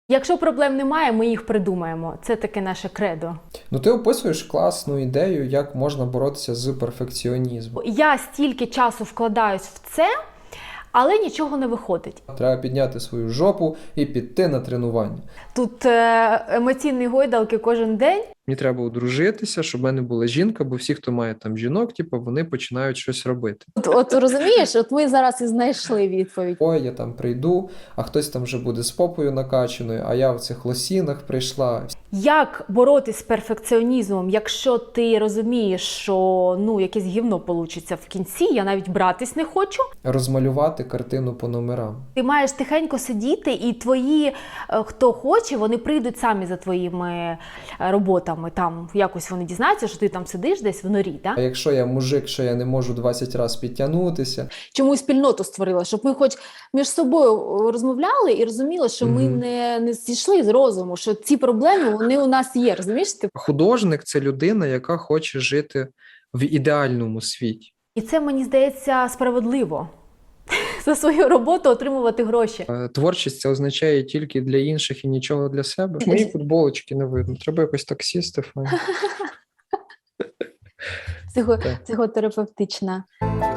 Якщо проблем немає, ми їх придумаємо. Це таке наше кредо. Ну, ти описуєш класну ідею, як можна боротися з перфекціонізмом. Я стільки часу вкладаюсь в це, але нічого не виходить. Треба підняти свою жопу і піти на тренування. Тут емоційні гойдалки кожен день. Мені треба одружитися, щоб в мене була жінка, бо всі, хто має там жінок, вони починають щось робити. От розумієш, от ми зараз і знайшли відповідь. Ой, я там прийду, а хтось там вже буде з попою накачаною, а я в цих лосінах прийшла. Як боротись з перфекціонізмом, якщо ти розумієш, що якесь гівно получиться в кінці, я навіть братись не хочу. Розмалювати картину по номерам. Ти маєш тихенько сидіти, і твої, хто хоче, вони прийдуть самі за твоїми роботами. Там якось вони дізнаються, що ти там сидиш десь в норі. Да? А якщо я мужик, що я не можу 20 разів підтягнутися. Чому спільноту створила? Щоб ми хоч між собою розмовляли і розуміли, що ми не зійшли з розуму, що ці проблеми, вони у нас є, розумієш? Художник – це людина, яка хоче жити в ідеальному світі. І це, мені здається, справедливо. За свою роботу отримувати гроші. Творчість – це означає тільки для інших і нічого для себе. Мої футболочки не видно. Треба якось так сісти. Психотерапевтична.